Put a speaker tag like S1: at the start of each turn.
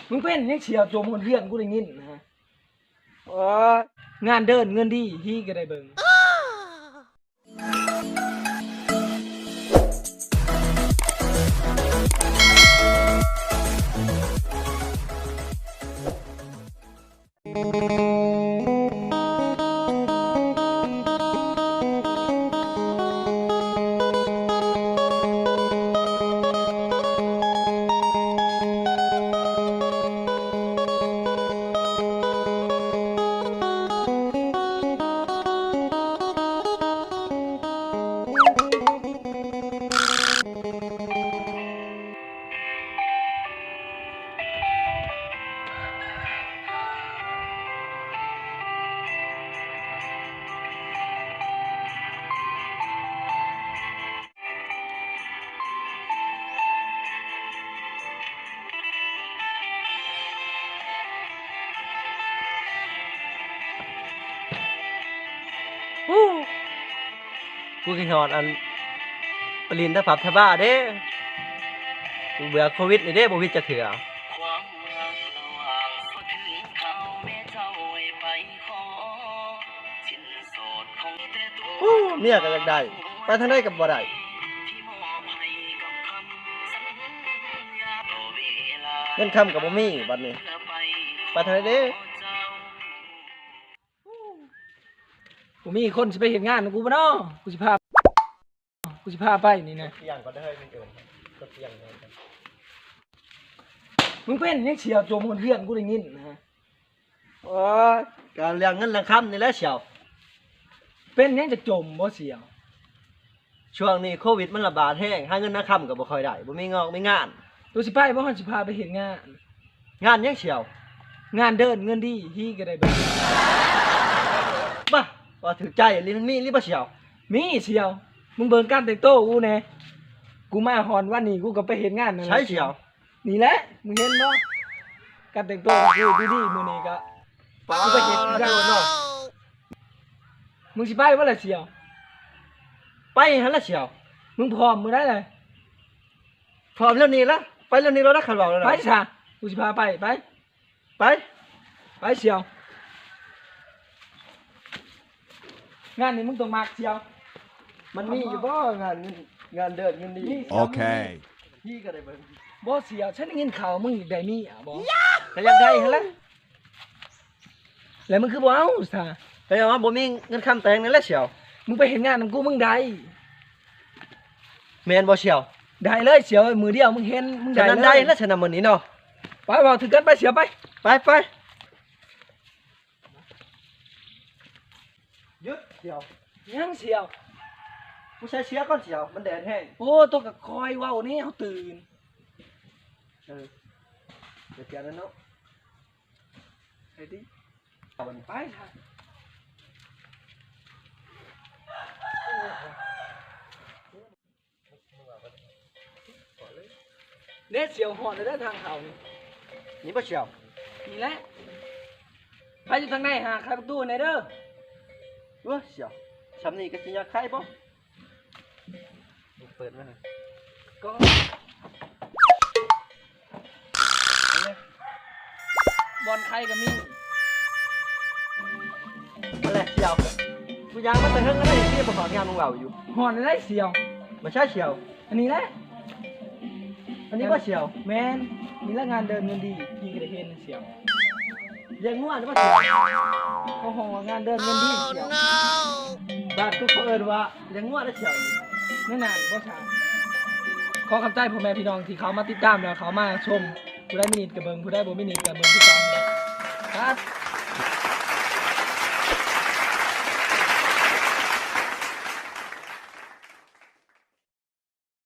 S1: มึงเป็นยังเชียวโจมคนเพื่อนกูได้ยินนะฮะงานเดินเงินดีฮีก็ได้เบิ่ง
S2: กูกินหอดอันปรินทผับทบ้าเด้กูเบื่อโควิดนี่เด้บ่วิดจะเถื่อเนี่ยก็อยากได้ไปทางใดก็บ่ได้เงินคำกับบ่มีบัดนี้ไปทางใดเด้
S1: กูมีคนสิไปเห็นงานกูบ่เนาะกูสิพาไปนี่นะ
S2: เตียงก็ได้มึงเอิ้นก็เตียงเลย
S1: มึงเป็นยังเชียวโจมคนเพื่อนกูได้ยินนะฮะ
S2: การเรื่องเงินเรื่องคำนี่แหละเชียว
S1: เป็นยังจะจมบ่เชียว
S2: ช่วงนี้โควิดมันระบาดแห้งหาเงินคำก็บ่ค่อยได้บ่มีงอกมีงาน
S1: กูสิไปบ่ฮั่นสิพาไปเห็นงาน
S2: ยังเชียว
S1: งานเดินเงินดีฮีก็ได้เบิ่ง
S2: บ้าว่าถือใจลิ้นมีหรือบ่เชียว
S1: มีเชียวมึงเบิ่งการแต่งตัวกูแน่กูมาฮอนวันนี้กูก็ไปเห็นงานนั่นแหละ
S2: ใช่เชียว
S1: นี่แหละมึงเห็นบ่การแต่งตัวกูดีๆมื้อนี้ก็กูไปเห็นงานเนาะมึงสิไปบ่ล่ะเชียว
S2: ไปหั่นล่ะเชียว
S1: มึงพร้อมมื้อใดเลย
S2: พร้อมแล้วนี่ละไปแล้วนี่เราได้ขันบอกแล้วนะ
S1: ไปซะกูสิพาไปเชียวงานนี้มึงต้องมักเชียว
S2: มันมีอยู่บ่งานเดินเงินดี
S3: โอเค
S2: พี่ก็ได้เบิ่ง
S1: บ่เชียวฉันได้ยินข่าวมึงได้มีอ่ะบ่
S2: ก็อยากได้หั่นล่ะ
S1: แล้วมึงคือบ่เอาซะ
S2: ไปเอาว่าบ่มีเงินคำแต่งนั่นแหละเชียว
S1: มึงไปเห็นงานของกูมึงได้
S2: แม่นบ่เชียว
S1: ได้เลยเชียวมือเดียวมึงเห็นมึงได้
S2: เลยได้แล้วฉันนำมื้อนี้เนาะ
S1: ไปบ่ถึงกันไปเชียวไป
S2: หยุดเชียว
S1: ยังเชียว
S2: กูใช้เชียวก่อนเชียวมันแดดแห้ง
S1: โอ้ตัวก็คอยเว้านี่เฮาตื่น
S2: เดี๋ยวเปลี่ยนแล้วเนาะ
S1: ไปดิไปค่ะเน็ตเสียวหอนเลยได้ทางเขา
S2: นี่บ่เชียว
S1: นี่แหละไปอยู่ทางไหนหาใครประตูไหนเด้อ
S2: เชียวชำนี่ก็สิอยากไข่บ่เปิดมา
S1: ก็บอลไข่ก็มี
S2: อะไรเชียวกูยังมาแต่เฮิงก็ได้ที่ประกอบงานของเราอยู่
S1: หอนได้เสียว
S2: ไม่ใช่เชียว
S1: อันนี้แหละ
S2: อันนี้ว่าเชียว
S1: แมนนี่ละงานเดินเงินดีพี่ก็ได้เห็นเสียว
S2: เลี้ยงงัวนี่ว่าเชียว
S1: โอ้โหงานเดินเงินดีเสียว
S2: บ้านทุกคนเอิ้นว่าเลี้ยงงัวได้เชียว
S1: นั่นน่ะบ่ช้าขอคำใต้พ่อแม่พี่น้องที่เขามาติดตามแล้วเขามาชมผู้ได้มินิทกับเบิ่งผู้ได้บ่มินิทกับเบิ่งที่2ครับ